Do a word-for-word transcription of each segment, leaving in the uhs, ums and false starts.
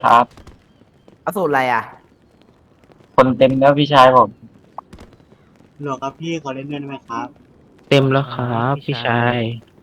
ครับเอาสูตรอะไรอ่ะคนเต็มแล้วพี่ชายผมหรอครับพี่ขอเล่นด้วยได้ไหมครับเต็มแล้วครับพี่ชาย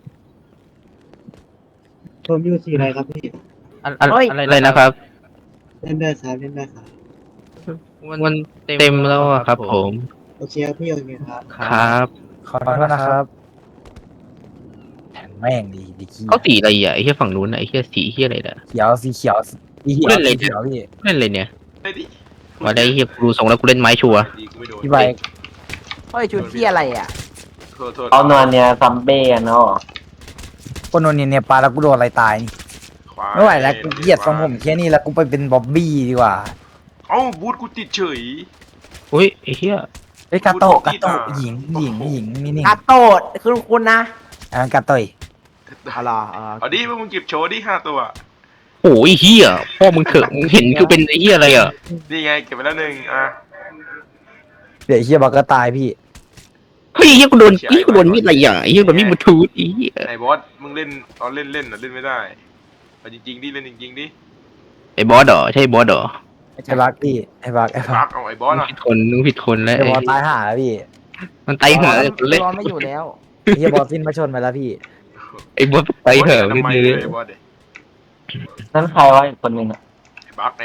ผมอยู่สีอะไรครับพี่อะอะไรอะไรนะครับเล่นได้ครับเล่นได้ครับมันเต็มแล้วอะครับผมโอเคครับพี่โอเคครับครับขอโทษนะครับแผ่นแม่งดีดีขี้เขาสีอะไรอ่ะไอ้เหี้ยฝั่งนู้นน่ะไอ้เหี้ยสีเหี้ยอะไรเนี่ยเขียวสีเขียวสีเขียวเล่นอะไรสีเนี่ยเขียวพี่เล่นอะไรเนี่ยได้ดิมาได้ไอ้เหี้ยกูดูทรงแล้วกูเล่นไม้ชัวร์ดีกูไม่โดนพี่ใบเฮ้ยชุดที่อะไรอ่ะโทษโทษเอานอนเนี่ยซัมเบ้กันเนาะคนโนนเนี่ยเนี่ยปลาแล้วกูโดนอะไรตายนี่ควายไม่ไหวแล้วกูเกลียดทรงผมแค่นี้แล้วกูไปเป็นบ๊อบบี้ดีกว่าเอ้าบูทกูติดเฉยอุ้ยไอ้เหี้ยเฮ้ยกาโตะพูกาดผิดโตะอ่ะหญิงหญิงหญิงนี่นี่กาโตดคือคุณนะอันนั้นกาโตะเอาล่ะเอาล่ะเอาดิพวกมึงเก็บโชว์ดิห้าตัวโอ้ยเหี้ยพ่อมึงเถอะมึงเห็นคือเป็นไอ้เหี้ยอะไรอ่ะนี่ไงเก็บไปแล้วหนึ่งอ่ะเดี๋ยวไอ้เฮียบอกก็ตายพี่เฮ้ยไอ้เหี้ยกูโดนไอ้เหี้ยกูโดนมีดอะไรอ่ะไอ้เหี้ยโดนมีดบลูทูธไอ้เหี้ยไหนบอสมึงเล่นตอนเล่นเล่นอ่ะเล่นไม่ได้เอาจริงๆดิเล่นจริงๆดิไอ้บอสเหรอใช่บอสเหรอไอ้บักพี่ไอ้บักไอ้บัปักกเอาไอ้บอสมึงอ่ะผิดคนมึงผิดคนแล้วไอ้ไอ้บอลตายห่าแล้วพี่มันไตเหอะเล่เล่นนไม่อยู่แล้วไอ้เฮียบอลสิ้นมาชนไปแล้วพี่ไอ้บอสไตเหอะทำไมไม่เลเลย ยไอ้บอสเด็นั่นใครวะอีกคนหนึ่งอะไอ้บักไง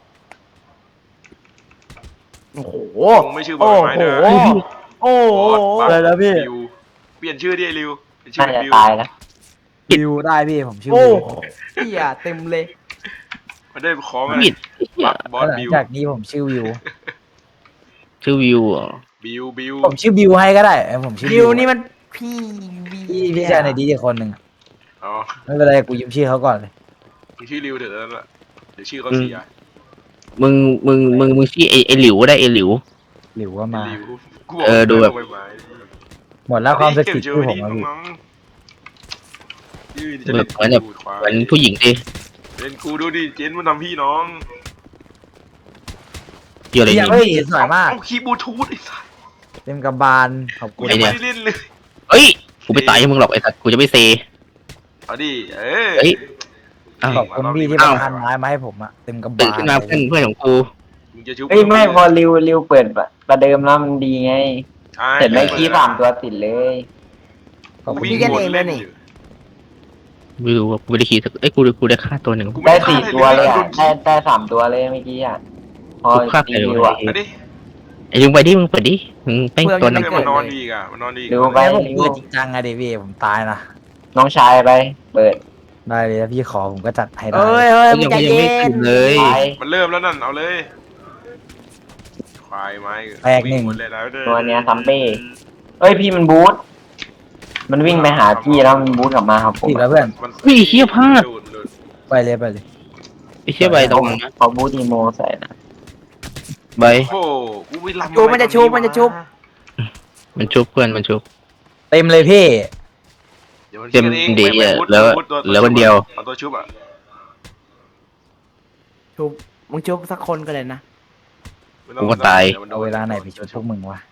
โอ้โหมึงไม่ชื่อบอโอ้สไม้โหเด้อโอ้โหบอสบักอะไรนะพี่ริวเปลี่ยนชื่อดิไอ้ริวเป็นชื่อน่าเป็นจะริวตายแล้ววิวได้พี่ผมชื่อโอ้วิวเหี้ยเต็มเลยมันได้ของมีดไอ้เหี้ยบักบอสหลังบิวจากนี้ผมชื่อวิวชื่อวิวเหรอบิวบิวผมชื่อบิวให้ก็ได้เออผมชื่อดิวนี่มันพี่วีพี่พี่ชายในดีอีกคนหนึ่งอ๋อไม่เป็นไรกูยืมชื่อเขาก่อนเลยมึงชื่อริวเถอะนั่นแหละเดี๋ยวชื่อเขาเสียมึงมึงมึงมึงชื่อไอ้ไอ้หลิวก็ได้ไอ้หลิวหลิวก็มาริวกูเออดูแบบาไว้ไม้หมดแล้วความศักดิ์สิทธิ์เก็บที่เจผอมดิมาพี่น้องๆยืนจะแบเล่บนเหมือนแบบกูควายเหมือนผู้หญิงดิเล่นกูดูดิเจนมันทำพี่น้องเกี่ยวอะไรเฮ้ยนี่เฮ้ยสวยมากเอาคีย์บลูทูธไอ้สัสเต็มกระบาลขอบกูคุณยังเนี่ไม่ยได้เล่นเลยเอ้ยกูไม่ตายให้มึงหรอกไอ้สัตว์กูจะไม่เซเอาดิเออเฮ้ย อ้าวขอบคุณพี่ที่อ้ามาว พันไม้มาให้ผมอะเต็มกระตื่นบาลขึ้นมาเพื่อนเพื่อนของกูมึงจะชุบเฮ้ยไม่พอริวริวเปิดประเดิมแล้วมันดีไงใช่เห็นไหมกี้สามตัวติดเลยขอบกูคุณวิ่งพี่วนเล่นอยู่ไม่รู้ว่ากูไม่ได้ขี่สักเอ้ยกูกูได้ฆ่าตัวหนึ่งกูไม่ได้ได้สี่ฆ่าอะไรตัวเลยอ่ะโดนได้ได้สามตัวเลยเมื่อกี้อ่ะพอกูฆ่าใครตีวะริวอ่ะเอาดิไอ้ลุงไปดิมึงเปิดดิมึงแป้งตัวหนึงเพื่อนมันนอนดีอีกอ่ะมันนอนดีอีกริวไปแม่ผมริวเปิดจริงจังอะเดวี่ผมตายนะน้องชายไป เปิดได้เลยถ้าพี่ขอผมก็จัดให้ได้เอ้ยเฮ้ยมึงยังใจยังเย็ไม่ตื่นนเลยไปมันเริ่มแล้วนั่นเอาเลยควายไม้แตกหนึ่งวิ่วนเลยนะด้อตัวเนี้ยซัมเบ้เอ้ยพี่มันบูทมันวิ่งไปหาพี่แล้วมันบูทกลับมาครับผมติดแล้วเพื่อนมันเฮ้ยเหี้ยพลาดดูดูไปเลยไปเลยไอ้เชี่ยใบตรงนั้นนะเขาบูทอีโมใส่นะใบโอ้โหกูไปลำชูมันจะชุบมันจะชุบมันชุบเพื่อนมันชุบเต็มเลยพี่ดี๋ยวมันเต็มชื่อองดีไม่ไม่อะพูดแล้วพูดตัแล้ววันเดียวเอาตัวชุบอ่ะชุบมึงชุบสักคนก็เลยนะไม่ต้กูองก็ตายดี๋วมันโดเอานเวลาไหนไปชดพวกมึงวะ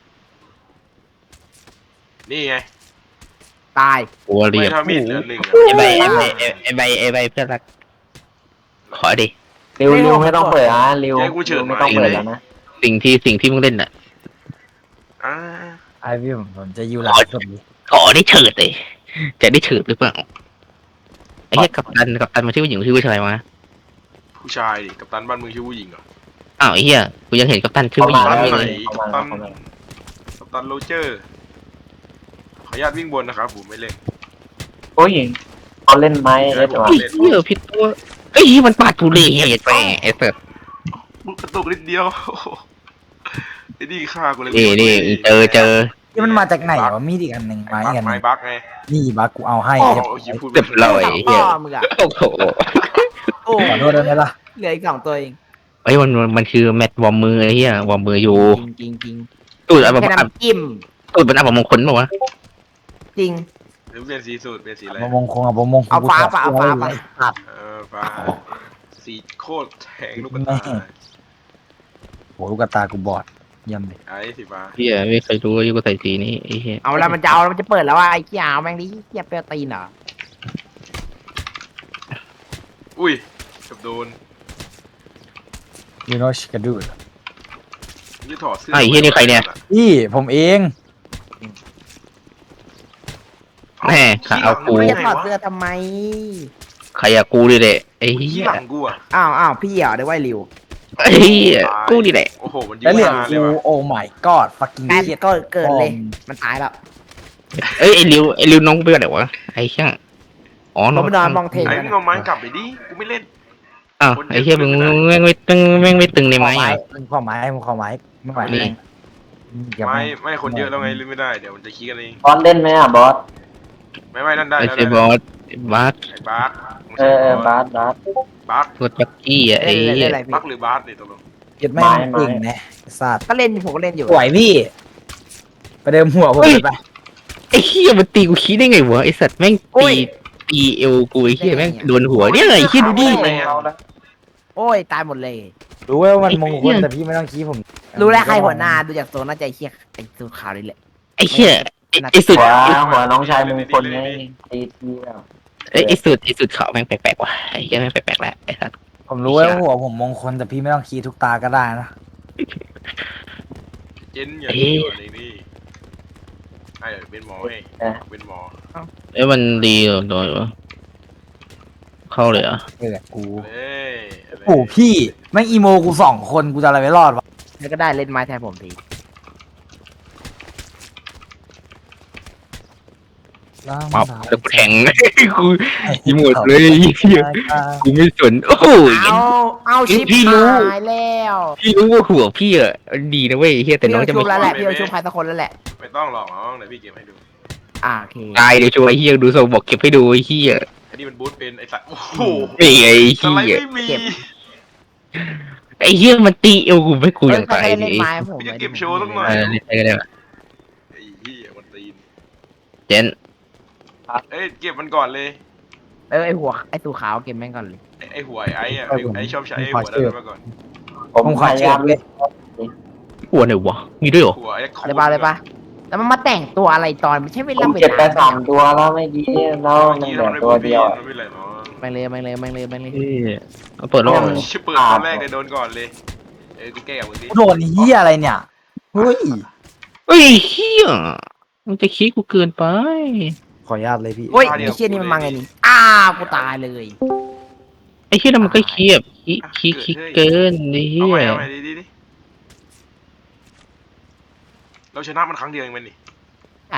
นี่ไงตายกูว่าเรีไม่ยบทำมีดเหลือหนึ่งอะไอ้ใบไอ้ใบไอ้ใบไอ้ใบเพื่อนรักขอดิริวริวไม่ต้องเปิดนะริวใจกูเฉิดไม่ต้องหเปิมาดยแล้วนะสิ่งที่สิ่งที่มึงเล่นน่ะอ่าไอพี่ผมผมจะอยู่หลังสุดเลยขอได้เฉิดเลยจะได้เฉิดหรือเปล่าไอ้เหี้ยกัปตันกัปตันมันชื่อผู้หญิงหรือชื่อผู้ชายวะผู้ชายดิกัปตันบ้านเมืองชื่อผู้หญิงเหรออ้าวไอ้เหี้ยกูยังเห็นกัปตันชื่อเข้าผู้หมาญิงแล้วไม่เข้าเลยมาแล้วเข้ามากัปตันโรเจอร์ขออนุญาตวิ่งบนนะครับผมไม่เล่นโอ้ยเขาเล่นไม้เอสวะไอ้เหี้ยผิดตัวไอ้เหี้ยมันปาดทุเรศไอ้แม่ไอ้เสิร์ฟมึงกระตุกนิดเดียว ไอ้นี่ฆ่ากูเลยนี่นี่เจอเจอนี่มันมาจากไหนวะมีดอีกอันหนึ่งไม้ไม้อีกอันหไม้นึ่งบักไงนี่บักกูเอาให้โอ้เรียบโหร้อยยิงพูดเรียบร้อยสองพ่อมึงอะโอ้โหโอ้ขอโทษได้ไหมล่ะเหลืออีกสองตัวเองไอ้ยมันมันคือแมตช์วอร์มมือไอ้เหี้ยวอร์มมืออยู่จริงจริงจริงตูดอับแค่อับน้ำจิ้มตูดเป็นอับมงคลป่าวะจริงหรือเปลี่ยนสีสูตรเปลี่ยนสีอะไรประมงคงเอาประมงคงเอาฟ้าปะเอาฟ้าปะตัดเออฟ้าสีโคตรแทงลูกกระแม่ตาโหลูกกระตากูบอดเยี่ยมเลยไอ้สีฟ้าเหี้ยไม่เคยรู้ว่ายูก็ใส่สีนี้ไอ้เหี้ยเอาแล้วมันจะเอาแล้วมันจะเปิดแล้วว่าไอ้เหี้ยเอาแม่งดิเหี้ยเปรี้ยวตีนเหรออุ้ยเกับโดน you know she can do it ยี่ถอดเสื้อไอ้เหี้ยนี่ใครเนี่ยพี่ผมเองแม่ขาเอากูไม่จะถอดเสื้อทำไมใครอะกูดิแหละไอ้ขี้เหี้ยหลังกูอ่ะอ้าวอ้าวพี่เหรอได้ไว้ริวไอ้เหี้ยกูดิแหละโอ้โหมันยิแล้วงเหลือมาง เลยกูว่ะโอ้ my god fucking การ shit ก็เกิดเลย มันตายแล้วเอ้ยไอ้ริวไอ้ริวน้องเบื่อไหนวะไอ้ช่างอ๋อผมไปนอนมองเทงไอ้กันมึงอะเอาไม้กลับไปดิกูไม่เล่นอ้าวไอ้เหี้ยมึงแม่งไม่ตึงแม่งไม่ตึงในขอไม้ไม้อะมึงขอไม้มึงขอไม้ไม่ไหวนี่แรงอย่าไม่แงไม่คนเยอะแล้วไงเล่นไม่ได้เดี๋ยวมันจะขี้กันเองบอสเล่นไหมอ่ะบอสไม่ไม่นั่นได้ไอ้แล้วเซบอสบาสไอ้บาสเออเออบาสบาสบาสตัวปักกี้อะไอ้เล่นเหี้เล่ยนอะไรพี่บักหรือบาสเนี่ยตกลงเก็ดไม่ไม้งไม้เก่งนะไอ้สัตว์ก็เล่นผมก็เล่นอยู่สวยพี่ไปเดิมหัวผมเลยไปไอ้เหี้ยมันตีกูขี้ได้ไงวะไอ้สัตว์แม่งตีตีเอวกูไอ้เหี้ยแม่งโดนหัวเนี่ยไอ้เหี้ยดูดิเอาละโอ้ยตายหมดเลยรู้ว่ามันมงคไอ้ลเหี้ยแต่พี่ไม่ต้องชี้ผมรู้แล้วใครหัวหน้าดูจากโซนน่าจะไอ้เชี่ยไอ้สูขาวนี่แหละไอ้เหี้ยไอ้ไอ้สุดหัวหัวน้องชายมงคลไงตีทีแล้วไอ้ไอ้สุดไอ้สุดเขาแม่งแปลกๆว่ะไอ้เหี้ยแม่งแปลกๆแหละไอ้สัตว์ผมรู้ว่าหัวผมมงคลแต่พี่ไม่ต้องชี้ทุกตาก็ได้นะเจนอย่าดีกว่านี้นี่ไอ้เป็นหมอเว้ยเป็นหมอเอ้ยมันดีเหรอโดนวะเข้าเลยเหรอ่ะเออกูเอ้ยโอ้พี่แม่งอีโมกูสองคนกูจะอะไรไม่รอดวะแล้วก็ได้เล่นไม้แทนผมทีมาแล้วกูแทง กูยิงหมดเลยเหี้ยกูไม่สนโอ้โหเอาเอาชิปพี่รู้หายแล้วพี่รู้ว่าหัวพี่อ่ะดีนะเว้ยเฮียแต่น้องจะพี่ไม่เอาชุบแล้วแหละพี่เอาชุบใครสักคนแล้วแหละไม่ต้องหรอกน้องเดี๋ยวพี่เก็บให้ดูอ่าโอเคตายเดี๋ยวช่วยเฮียดูโซบอกเก็บให้ดูไอ้เฮียไอ้นี่มันบูทเป็นไอ้สัตว์โอ้โหไอ้ไอ้สไลเฮีด์ยไม่มีไอ้เฮียมันตีเอวกูไม่กูเฮ้อย ย่างใครตายเล่นดิไม้ผมพี่จะเก็บโชว์สักหน่อยเออเล่นไปก็ได้ปะไอ้เหี้ยมันตีนเจนเอ้ยเก็บมันก่อนเลยเออไอหัวไอสูขาวเก็บแม่งก่อนเลยไอ้ไอ้หัวไอ้ไอ้อะไอ้ไอ้ชอบใช้ไอ้หัวนั้นมาก่อนผมผมขพอยาเชิยาญมเลยหัวไหนวะมีด้วยเหรอหัวไอ้โคอะไรบ้าอะไรบ้าแล้วมันมาแต่งตัวอะไรตอนไม่ใช่เวผลาม เวเก็บไปลาสามตัวแล้วไม่ดีแล้วมันเมื่อกี้เหลืเราอไม่ตัวพูดเดียวมันไม่ไรเนาะแม่งเลยแม่งเลยแม่งเลยแม่งเลยเฮ้ยเอาเปิดโลกชิบเปิดตอนแรกเลยโดนก่อนเลยเออกูแก้กับมึงดิกูโดนเฮียอะไรเนี่ยเฮ้ยเฮ้ยเฮียมันจะขี้กูเกินไปขออนุญาตเลยพี่โอ้ยไอเชี่ยนี่มันมาไงนี่อ้าวกูตายเลยไอ้เฮียนั่นมันก็ขี้แบบขี้ขี้ขี้เกินไอ้เฮีเอายใหม่เอาใหม่ดิดิดิเราชนะมันครั้งเดียวเองมันนี่ใช่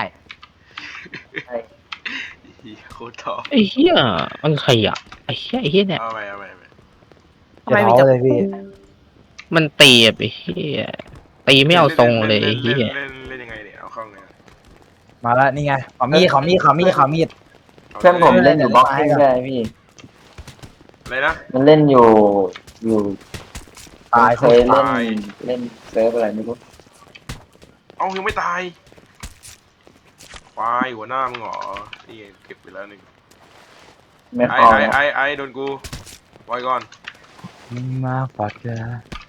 เหี้ยโคตรท้อไอ้เฮียมันใครอ่ะไอ้เฮียไอ้เฮียเนี่ยเอาใหม่เอาใหม่เอาใหม่ทำไมมีจะแต่เท้าเลยพี่มันตีแบบไอ้เฮียตีไม่เอาทรงเลยไอ้เฮีเล่นยเล่นเล่นยังไงเนี่ยเอาเข้าไงมาแล้วนี่ไงขอมีดขอมีดขอมีดขอมีดเพื่อนผมเล่นอยู่บ็อกซิ่งได้พี่อะไรนะมันเล่นอยู่อยู่ตายเคคนยเล่นตายเล่นเซิร์ฟอะไรไม่รู้เอายังไม่ตายควายหัวหน้ามึงเหรอนี่เก็บไปแล้วหนึ่งไม่ไอ้พอไอ้ไอ้ไอ้โดนกูไว้ก่อนมึงมาปัดกัน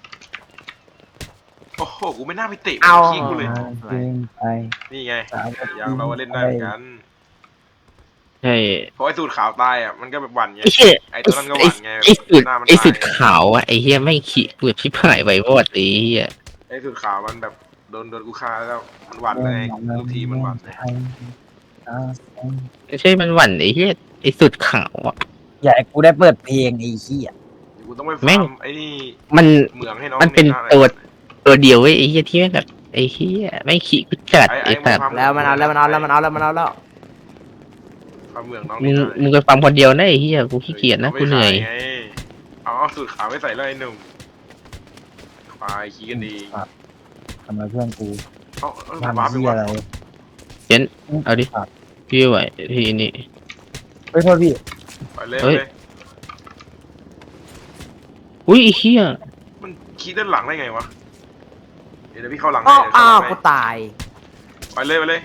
โอ้โหกูไม่น่าไปเตะเอาขี้กูเลยเดินไปนี่ไงอย่างเราก็เล่นได้เหมือนกันใช่เพราะไอ้สูตรขาวตายอ่ะมันก็แบบหวั่นไงไอ้เฮียไอ้ตัวนั้นก็หวั่นไงไอ้สุดหน้ามันไอ้สุดตายขาวอ่ะไอ้เฮียไม่ขี้กูแบบชิบหายไปวอดไอ้เฮียไอ้สูตรขาวมันแบบโดนโดนกูฆ่าแล้วมันหวั่นเลยลูกทีมมันหวั่นเลยไม่ใช่มันหวั่นไอ้เฮียไอ้สุดขาวอ่ะอย่าให้กูได้เปิดเพลงไอ้เหี้ยกูต้องไปแม่ฟาง ร์มไอ้นี่มันเหมืองให้น้องมันเป็นหาอะไรตัวตัวเดียวเว้ยไอ้เฮียที่แม่งแบบไอ้เฮียไม่ขี้กูจัดไอ้ไอ้ไอ้สัตว์มึงแล้วมันเอาแล้วมันเอาแล้วมันเอาแล้วมันเอาแล้วฟาร์มเหมืองน้องมึนี่งได้มึงไปฟังคนเดียวนะไอ้เฮียกูขี้เกียจนะอากูไปเหนื่อยขายไงเอาเอาสูตรขาวไม่ใส่เลยไอ้หนุ่มควายขี้กันดีทำไมเพื่อนกูเอาเอาทำบ้าไปเหี้ยวะอะไรเอาดิพี่ไหวทีนี้เฮ้ยโทษพี่ไปเลยเฮ้ยไปเลยอุ้ยไอ้เฮียมันขี้ด้านหลังได้ไงวะเดี๋ยวพี่เข้าหลังอ้าให้วเดี๋ยวเข้าอ้าหวลังให้กูตายไปเลยไปเลย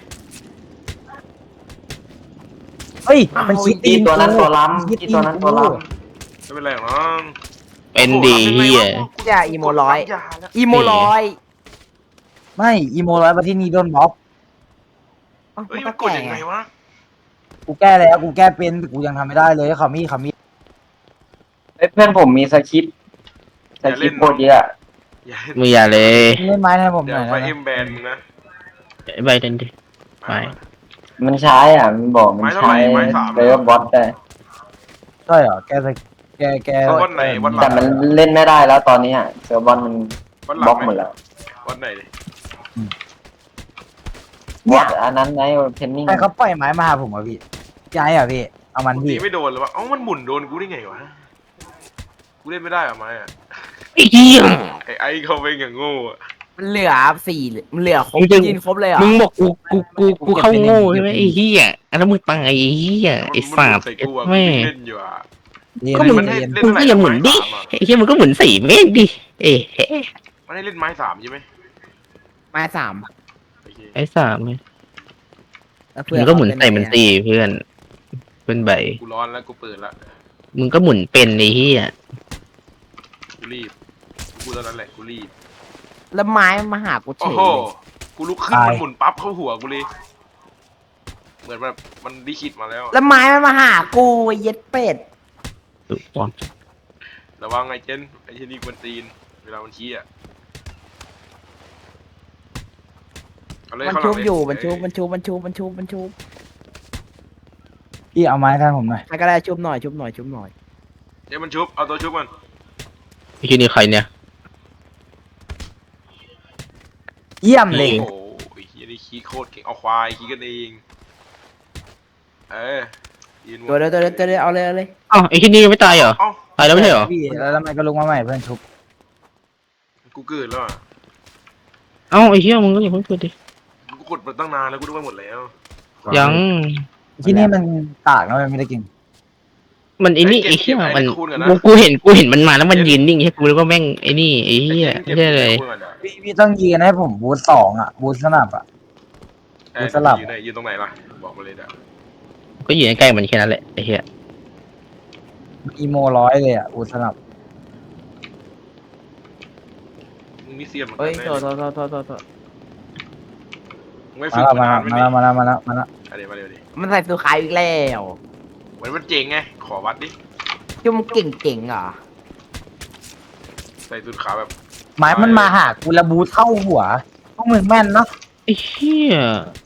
เฮ้ยมันคิดตีตัวนั้นตัวล้ำคิดตีตัวนั้นตัวล้ไม่เป็นไรหรอกน้องเป็นดีเฮียอย่าอีโมร้อยกดปั๊มาแล้วอีโมร้อยไม่อีโมร้อยมาที่นี่โดนบล็อกอ้าวเฮ้ยมัมัน นก็กดแก่ยังไงไงวะกูแก้แล้วกูแก้เป็นแต่กูยังทำไม่ได้เลยขอมีดขอมีดำเอ้ยเพื่อนผมมีสคริปต์แต่คลิปโคตรเยอะอย่ามึงอย่าเลยเล่นไม้ให้ผมหเดี๋ยน่วอยไฟนะเอ็มแบนมึงนะไอ้ใบเดินดิ ไม่มันใช้อ่ะมันบอกมันใช้เซิร์ฟบอทได้ใช่เหรอแกจะแกแกวันไหนวันหลัแต่งมันเล่นไม่ได้แล้วตอนนี้อ่ะเซิร์ฟบอทมันวันหลับล็อง กหมดแล้ววันไหนดิบอทอันนั้นไงเทนนิ่งใครเขาปล่อยไม้มาหาผมอ่ะพี่ย้ายอ่ะพี่เอามันตีพี่ไม่โดนเลยวะเอ้ามันหมุนโดนกูได้ไงวะกูเล่นไม่ได้อะไม้อะไอ้เหี้ยไอ้ไอ้เขาเป็นอย่างโง่อะมันเหลือสี่มันเหลือครบมึงจะยินครบเลยเหรอ่ะมึงบอกกูกูกูกูเข้าโง่ใช่ไหมไอ้เหี้ยอันนั้นมึงตายไอ้เหี้ยไอ้มันสัหมุตนว์ใส่กูอะกูแม่เล่นอยู่อะเย็นก็มึงมันให้เย็นเล่นมึงเท่าไหร่ก็อย่าหมุนดิไม้สามอะไอ้เหี้ยมึงก็หมุนสี่เมตรดิเอ้เฮ้มันให้เล่นไม้สามใช่ไหมไม้สามโอเคไอ้สามไงแล้วมึงก็หมุนใส่มันสี่เพื่อนเป็นใบกูร้อนแล้วกูเปิดละมึงก็หมุนเป็นไอ้เหี้ยกูรีบกูตอนนั้นแหละกูรีบแล้วไม้มันมาหากูเฉโอ้ยโหเลยกูลุกขึ้นมันหมุนปั๊บเข้าหัวกูเลยเหมือนแบบมันดิคิดมาแล้วแล้วไม้มันมาหากูไอ้เย็ดเป็ดถูกต้องระวังไอ้เจนไอ้เจนนี่กวนตีนเวลามันชี้อะเอาเลยมันข้างหชุลับงเลยอยู่มันชุบมันชุบมันชุบมันชุบมันชุบพี่เอาไม้ท่านผมหน่อยใครก็ได้ชุบหน่อยชุบหน่อยชุบหน่อยเดี๋ยวมันชุบเอาตัวชุบมันไอ้ที่นี่ใครเนี่ยเยี่ยมเลยโอ้โหไอ้เฮียนี่ขี้โคตรเก่งเอาควายขี้กันเองเออยืนตัวเดียวตัวเดียวตัวเดียวเอาเลยเอาเลยอ้าวไอ้ที่นี่ยังไม่ตายเหรอเอ้าตายแล้วไม่ใช่เหรอพี่แล้วทำไมก็ลุกมาใหม่เพื่อนชุบกูเกิดแล้วอะเอ้าไอ้เหี้ยมึงก็อย่าเพิ่งเปิดดิกูกดมาตั้งนานแล้วกูดูไปหมดแล้วยังที่นี่มันตากนะมันไม่ได้กินมันไอ้นี่เก็บไอ้เหี้ยเก็บไอ้มันคูณก่อนนะกูกูเห็นกูเห็นมันมาแล้วมันยืนนิ่งใช่กูแล้วก็แม่งไอ้นี่ไอ้เหี้ยไม่ใช่เลยพี่พี่ต้องยืนให้ผมบูทสองอ่ะบูทสนับอ่ะเอ้ยกูสลับยืนไหนยืนตรงไหนล่ะบอกมาเลยเด้อก็อยู่ใกล้ๆมันแค่นั้นแหละไอ้เหี้ยอีโมร้อยเลยอ่ะบูทสนับมึงนี่เสียนเหมือนเฮ้ยกันโทษนะโทษโทษโทษโทษโทษมึงไม่มาฝึกแล้วมามานานแล้วไม่มามีแล้วมาแล้วมาแล้วมาแล้วอะเดี๋ยวมาเดี๋ยวดิมันใส่สูขายอีกแล้วเหมือนมันเจ๋งไงขอวัดดิจุ่มเก่งเก่งๆเหรอใส่สุดขาวแบบไม้มันมาหากูระบูทเข้าหัวพวกมึงแม่นเนาะไอ้เหี้ย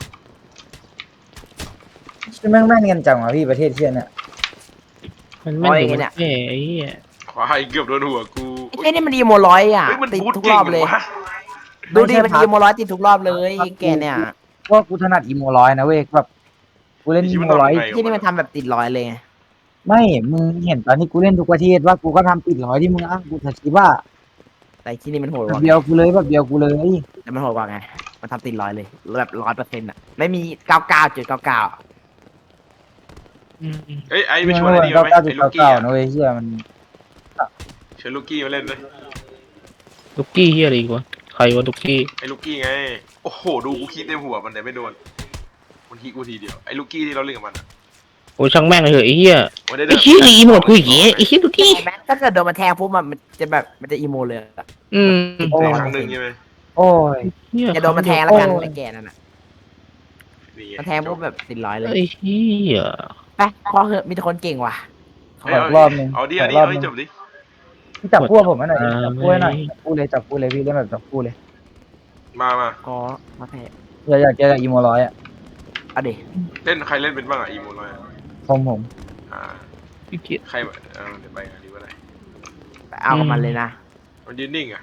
ชื่อแม่งแม่นกันจังวะพี่ประเทศเที่ยเนี่ยมันแม่งอยู่มันแค่ไอ้เหี้ยควายเกือบโดนหัวกูไอ้นี่มันอีโมร้อยอ่ะเฮ้ยมันติดบูททุกเก่รง อบเลยวะดูดิมันอีโมร้อยติดทุกรอบเลยไอ้แกเนี่ยว่ากูถนัดอีโมร้อยนะเว้ยแบบกูเล่นอีโมร้อยที่นี่มันทำแบบติดร้อยเลยไงไม่มึงเห็นตอนนี้กูเล่นทุกประเทศว่ากูก็ทำติดร้อยที่มึงอ้างกูจะคิดว่าแต่ที่นี่มันโหดกแบบว่าเดียวกูเลยแบบเดียวกูเลยแต่มันโหดกว่าไงมันทำติดร้อยเลยแบบร้อยเปอร์เซ็นต์อ่ะไม่มีเก้าเก้าจุดเก้าเก้าอืมเอ้ยไอ้ไปชวนไอ้นี่มาไหมเก้าไอ้จุดลูกเก้ากี้เก้าอะนะเว้ยเฮียมันเชิญลูกกี้มาเล่นเลยลูกกี้เหี้ยอะไรอีกวะใครวะลูกกี้ไอ้ลูกกี้ไงโอ้โหดูกูคิดเต็มหัวมันแต่ไม่โดนมันทีกูทีเดียวไอ้ลูกกี้ที่เราเล่นกับมันอะโอ้ช่างแม่งเลยเหอะไอ้เหี้ยมันได้ไอ้เหี้ยอีโมดกูอย่างเงี้ยไอ้เหี้ยลูกกี้แม้ถ้าเกิดโดนมันแทงปุ๊บมันจะแบบมันจะอีโมเลยอะอืมในครั้งหนึ่งใช่ไหมโอ้ยเหี้ยอย่าโดนมันแทงแล้วกันไอ้แกนั่นน่ะนี่ไมันแทงปุ๊บแบบติดร้อยเลยไอ้เหี้ยไปพอเหอะมีแต่คนเก่งว่ะขออีกรอบหนึงเอาดิขเอาอดิรอบเอาหดินึงจบดิพี่จับคู่ผมให้หน่อยดิจับคู่ให้หน่อยจับคู่เลยจับคู่เลยพี่เล่นแบบจับคู่เลยมามาก็มาแทงอยากอยากเจอกับอีโมร้อยอ่ะเอาดิเล่นใครเล่นเป็นบ้างอ่ะอีโมน้อยอะผมผมอ่าพี่เกียจใครเออเดี๋ยวไปกันดีกว่าไหนไปเอากับมันเลยนะมันยืนนิ่งอ่ะ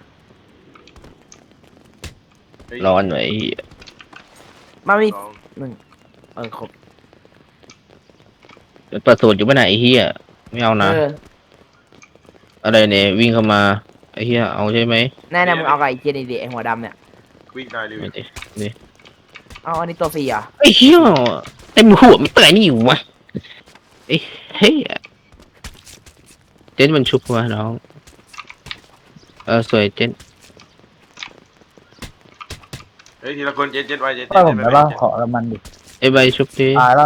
เฮ้ยร้อนหน่อยไอ้เหี้ยมามีสองหนึ่งเออครบเปิดสูตรอยู่ป่ะไหนไอ้เหี้ยไม่เอานะเอออะไรเนี่ยวิ่งเข้ามาไอ้เหี้ยเอาใช่ไหมแน่ๆมึงเอากับไอ้เจนี่ดิไอ้หัวดำเนี่ยวิ่งได้เลยไม่ดิเอาอันนี้ตัวฟรีเหรอไอ้เหี้ยเต็มหัวไม่เปิดนี่อยู่วะไอ้เฮ้ยเจนมันชุบวะน้องเออสวยเจนเฮ้ยทีละคนเจ็ดเจ็ดไว้เจ็ดก็เจ็ดผมไปได้ไปป่ะเจ็ดขอกับมันดิไอ้ใบชุบดิตายแล้ว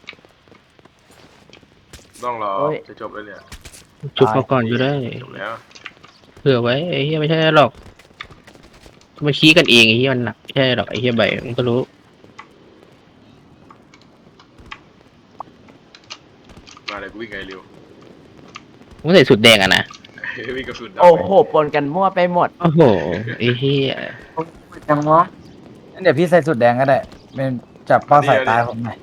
ต้องรอจะจบแล้วเนี่ยชุบมาก่อนอยู่ได้จบแล้วเผื่อไว้ไอ้เหี้ยไม่ใช่หรอกมันชี้กันเองไอ้เหี้ยมันหนักไม่ใช่หรอกไอ้เหี้ยใบมันก็รู้มาเลยกูวิ่งไงเร็วมันใส่สุดแดงอะนะมีกระสุนดำโอ้โหปนกันมั่วไปหมดโอ้โหไอ้เหี้ยจังวะงั้นเดี๋ยวพี่ใส่สุดแดงก็ได้เป็นจับเป้าสายตาผมหน่อย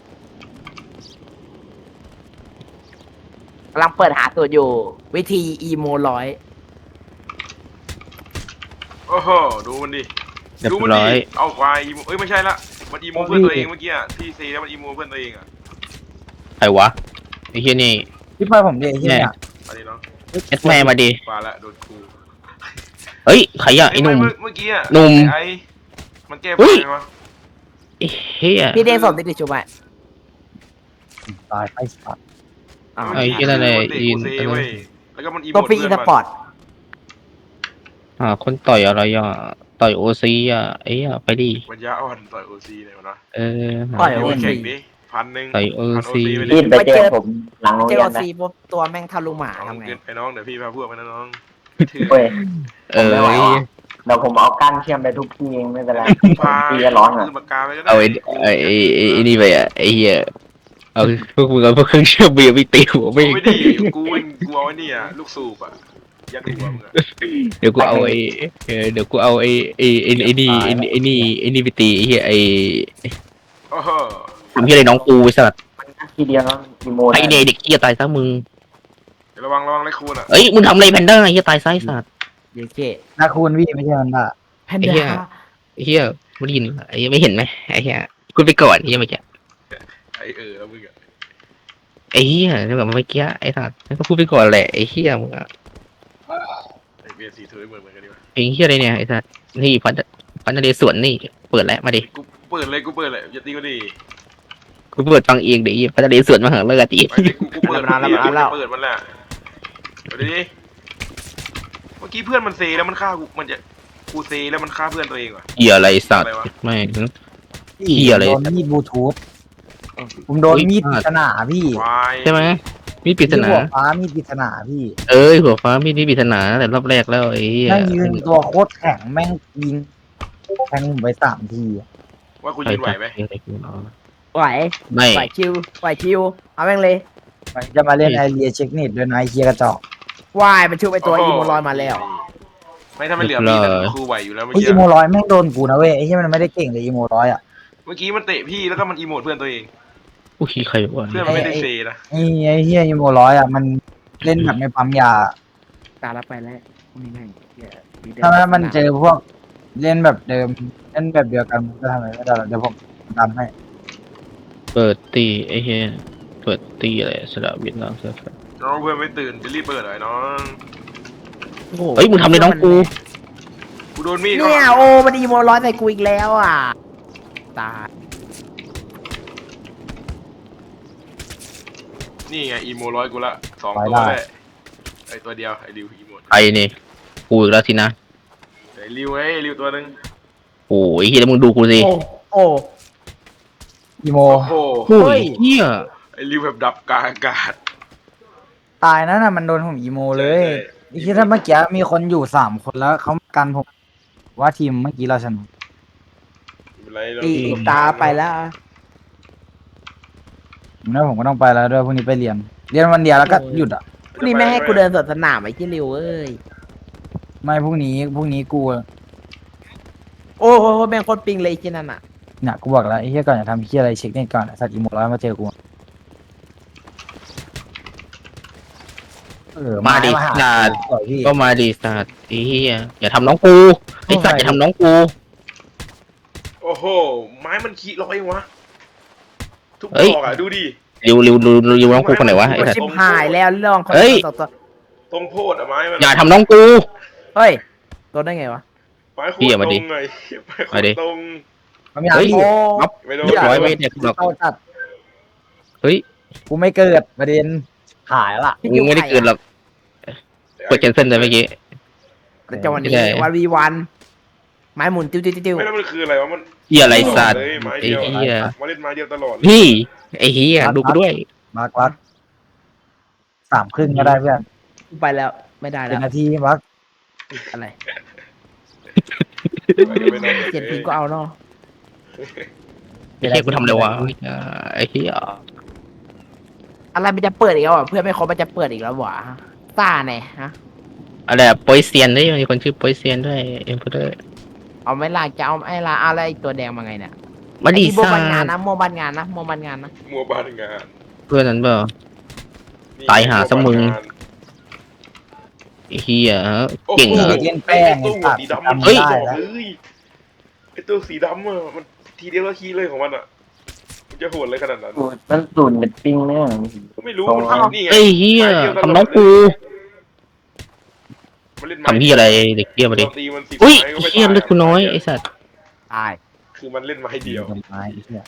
กำลังเปิดหาตัวอยู่ วิธีอีโมร้อยโอ้โหดูมันดิเรียบดูมันร้ดิอยเอาควายอีโมเอ้ยไม่ใช่ละมันอีโมเพื่อนตัวเองเมื่อกี้อะที่ซีแล้วมันอีโมเพื่อนตัวเองอะใครวะไอ้เหี้ยนี่พี่พลอยผมเดี๋ยวไอ้เหี้ยเนี่ยอันนี้เนาะเอ็ดแม่มาดิมาละโดนครูเฮ้ยใครอะไอ้หนุ่มเมื่เมื่อกี้อะหนุ่มไอ้มันแก้เฮ้ไฟยไหมวะไอ้เหี้ยพี่เด้งสดติดชุบไหมตายไปสัตว์อ๋อไอ้เหี้ยนั่นแหละมันเด็กอินกูเซเว้ยแล้วก็มันอีโมตัวฟรีเพื่สอนปอมันร์ตอ่าคนต่อยอะไรอ่ะต่อยโอซีอ่ะไอ้เหี้ยไปดิปัญญาอ่อนต่อยโอซีเลยวะนะเออต่อยเดี๋ยวโอไปซีแข่งดิพันหนึ่งต่อยโอพันโอซีซีไปดิพี่ไปเจอผมหลังโรงเจเรีอยนนะซีปุ๊บตัวแม่งทะลุหมาทำไงเกินไปน้องเดี๋ยวพี่พาพวกไปนะน้องถือเว้ยเออผมไม่ไหวว่ะเดี๋ยวผมเอากั้นเชื่อมไปทุกที่เองไม่เป็นไรพาพี่จะร้อนอ่ะซื้อปากกาไปก็ได้เอาไอ้ไอ้ไอ้ไอ้ไอ้นี่ไปอ่ะไอ้เหี้ยเอาพวกมึงเอาพวกเครื่องเชื่อมเบียร์ไปตีหัวไม่เอาไม่ดีกูเองกูเอาไอ้นี่อ่ะลูกสูบอ่ะยัดหัวมึงอ่ะเดี๋ยวกูเอาไอ้เออเดี๋ยวกูเอาไอ้ไอ้ไอ้ไอ้นี่ไอ้ไอ้นี่ไอ้นี่ไปตีไอ้เหี้ยไอ้โอ้โหทำเหี้ยอะไรน้องกูไอ้สัตว์ทีเดียวแล้วอีโมไอ้เนี่ยเด็กเหี้ยตายซะมึงเดี๋ยวระวังระวังไรคูนอ่ะเอ้ยมึงทำอะไรแพนด้าไอ้เหี้ยตายซะไอ้สัตว์เยเก้นาคูณพี่ไม่ใช่มันบ้าแพนไอ้เหี้ด้ายไอ้เหี้ยไม่ได้ยินไอ้เหี้ยไม่เห็นไหมไอ้เหี้ยกูไปก่อนไอ้เหี้ยเมื่อกี้ไอเออแล้วมึงอ่ะไอ้เหี้ยเดี๋ยวแบบเมื่อกี้ไอ้สัตว์ก็พูดไปก่อนแหละไอ้เหี้ยมึงอะไอเบียร์สีถือเหมือนเหมือนกันดีกว่าไอ้เหี้ยอะไรเนี่ยไอ้สัตว์นี่พันพันนเรศวรนี่เปิดแล้วมาดิกูเปิดเลยกูเปิดเลยอย่าตีก็ดีกูเปิดฟังเองเดี๋ยวไอ้พันนเรศวรมาหาเลิกอีกไปดิกูกูเปิดมันแล้วเปิดมันแหละเดี๋ยวดิเมื่อกี้เพื่อนมันเซแล้วมันฆ่ากูมันจะกูเซแล้วมันฆ่าเพื่อนตัวเองว่ะเหี้ยอะไรสัตว์ไม่พี่เหี้ยอะไรโดนมีดบลูทูธผมโดนอุ๊ยมีดปริศนาพี่ควายใช่ไหมมีปริศนาที่หัวฟ้ามีดปริศนาพี่เอ้ยหัวฟ้ามีนี่ปริศนาแต่รอบแรกแล้วไอ้เหี้ยแม่งยืนตัวโคตรแข็งแม่งยิงแทงผมไปสามทีอะว่ากูยืนไหวไหมไหวไม่ไหวคิวไหวคิวเอาแม่งเลยมันจะมาเล่นไอเรียเช็คเน็ตด้วยนะไอเคียกระจอกวายมันชุบไปตัวอีโมร้อยมาแล้วไม่ถ้าไม่เหลือมีแต่ครูไหวอยู่แล้วเมื่อไอกี้อีโมร้อยแม่งโดนกูนะเว้ยไอเคียมันไม่ได้เก่งเลยอีโมร้อยอ่ะเมื่อกี้มันเตะพี่แล้วก็มันอีโมดเพื่อนตัวเองอุ้ยใครวะเพื่อนมันไม่ได้เซนะไอไอเฮียอีโมร้อยอ่ะมันเล่นแบบไม่ปั๊มยาตาละไปแล้วนี่แม่งเหี้ยมีเดิถ้ามันเจอพวกเล่นแบบเดิมเล่นแบบเดียวกันมันจะทำอะไรไม่ได้หรอกเดี๋ยวผมทำให้เปิดตีไอ้เหี้ยเปิดตีอะไรสระวิทย์น้องเสือน้องเพื่อนไม่ตื่นจะรีบเปิดเลยน้องโอ้โหเฮ้ยมึงทำเลยน้องกูกูโดนมีดเนี่ยโอ้มันอีโมร้อยใส่กูอีกแล้วอ่ะตายนี่ไงอีโมร้อยกูละสองตัวเลยไอตัวเดียวไอริวอีโมไอ้นี่กูอีกแล้วสินะไอริวไอริวตัวนึงโอ้ยเฮียแล้วมึงดูกูสิโอ้โอ้อีโมโอ้โหโอ้ยเฮียไอริวแบบดับกลางอากาศตายนั่นน่ะมันโดนผมอีโมเลยไอเคียถ้าเมื่อกี้มีคนอยู่สามคนแล้วเขากันผมว่าทีมเมื่อกี้เราชนะตีตาไปแล้วแล้วผมก็ต้องไปแล้วด้วยพรุ่งนี้ไปเรียน เรียนวันเดียวแล้วก็หยุดอ่ะพรุ่งนี้ไม่ให้กูเดินสวนสนามไอ้ที่ริวเอ้ยไม่พรุ่งนี้พรุ่งนี้กูโอ้โหแม่งโคตรปิงเลยไอ้ที่นั่นอ่ะเนี่ยกูบอกแล้วไอ้เหี้ยก่อนจะทำเหี้ยอะไรเช็คเน็ตก่อนไอ้สัตว์อีโมร้อยมาเจอกูเออมาดิหานาดต่อยพี่ก็มาดิสัตว์ไอ้เฮียอย่าทำน้องกูไอ้สัตว์อย่าทำน้องกูโอ้โหไม้มันขี้ร้อยวะทุกเฮ้ยดอกอ่ะดูดิริวริวริวริวน้องกูคนไหนวะไอ้สัตชิว์บหายแล้วเรื่องคนเฮ้ยต่อตัวตรงโพดอะไม้มันอย่าทำน้องกูเฮ้ยตัวได้ไงวะไม้โคพี่ตอย่ารตมารดิงไงไม้โคมาตดิรตรงมันไม่เอาเฮ้ยพี่โอ้ครับไม่โดนเรียบร้อยไม่เนี่ยหรอกเข้าจัดเฮ้ยกูไม่เกิดประเด็นหายละมึงไม่ได้เกินหรอกกดแคนเซิลไปเมื่อกี้แต่จังหวะนี้ไม่ได้วันวีวันไม้หมุนติ้วติ้วติ้วไม่แล้วมันคืออะไรวะมันเฮียอะไรสัตว์เลยไม้ไอ้เดียวเฮียมาเล่นไม้เดียวตลอดเลยพี่ไอ้เฮียดูกูด้วยมาร์ควักสามครึ่งก็ได้เพื่อนไปแล้วไม่ได้เป็แล้นวนาทีวักอะไรไม่ได้เจ็ดพิงก็เอาเนาะไอ้เฮียกูทำอะไรวะไอ้เฮียอะไรมันจะเปิดอีกแล้วอ่ะเพื่อนไม่ครบมันจะเปิดอีกแล้วหวะซ่าแน่ฮะอะไรอะโปยเซียนด้วยมีคนชื่อโปยเซียนด้วยเอ็มพูดเลยเอาไม่ล่ะจะเอาไอ้ล่ะเอาอะไรตัวแดงมาไงเนี่ยมาดีไอ้โมซ่าบันงานนะโมบันงานนะโมบันงานนะมัวบ้านงานเพื่อนนั้นเปล่านี่ตายหาซะมึงวบ้านานไอ้เฮียโอ้โหเก่งเหรอเล่นแป้งไอ้ตัวหัวสีดำมันเฮ้ยบอกเลยไอ้ตัวสีดำอ่ะมันทีเดียวก็ขี้เลยของมันอ่ะมันจะโหดเลยขนาดนั้นสูตรมันสูตรเน็ตปิ้งเนี่ยก็ไม่รู้มันนี่ไงเฮ้ยเฮียไม้ดีวตลดทำน้องกูมันเล่นไม้ทำเฮียอะไรเด็กเฮียมาดิเราตีมันสิบอุ้ยไม้ก็ไม่เฮียตาเลือดกูน้อยไอ้สัตว์ตายคือมันเล่นไม้เดียวทำไมไอ้เหี้ย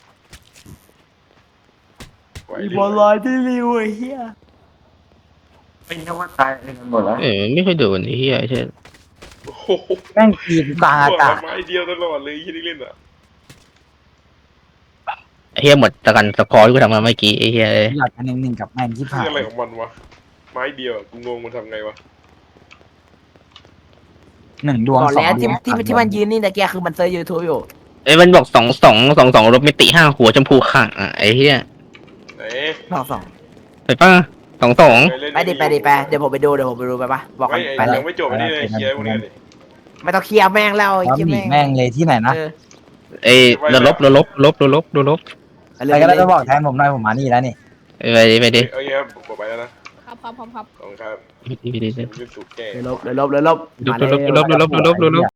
ไหวอีดิบอลลอยที่ริวไอ้เหี้ยไม่นึกว่าตายกันหมดแล้วเออไม่ค่อยโดนไอ้เฮียไอ้เช่นโอ้โหแม่งกีนกลางอากาศไม้เดียวตลอดเลยที่เล่นอ่ะไอ้เฮียหมดตะกันสกอร์ที่กูทำมาเมื่อกี้ไอ้เฮียเอ้ยอยากกันหนึ่งหนึ่งกับแม่งที่คืผ่าอน อะไรของมันวะไม้เดียวอะกูงงมันทำไงวะหนึ่งดวงบอกสองแล้วที่ดวงที่ที่มันยืนนี่ตะเกียคือมันเซอร์ยูทูบอยู่ไอ้ยมันบอกสองสองสองสองรถมิติห้าหัวชมพูข่างอ่ะไอ้เฮียไหนสองสองไปป่ะสองสองเคยเล่นไปดิไปดิไปเดี๋ยวผมไปดูเดี๋ยวผมไปดูไปปะบอกกัไม่นไอ้ไปเลยยังไม่จบอันนี้เลยเคลียร์พวกนี้ดิไม่ต้องเคลียร์แม่งแล้วไอ้แล้วเหี้ยหนีแม่งแม่งเลยที่ไหนนะเออเอ้ยเราลบเราลบลบเราลบเราลบไปเลใครยก็ได้จะบอกแทนผมหน่อยผมมานี่แล้วนี่เอ้ยไปดิไปดิเอ้ยครับผมไปแล้วนะครับครับครับครับขอบคุณครับไปดิไปดิไปดิผมยืนสูตรแก้เดี๋ยวลบเดี๋ยวลบเดี๋ยวลบดูมาดูเลยลบดูลบดูลบดูลบดูลบ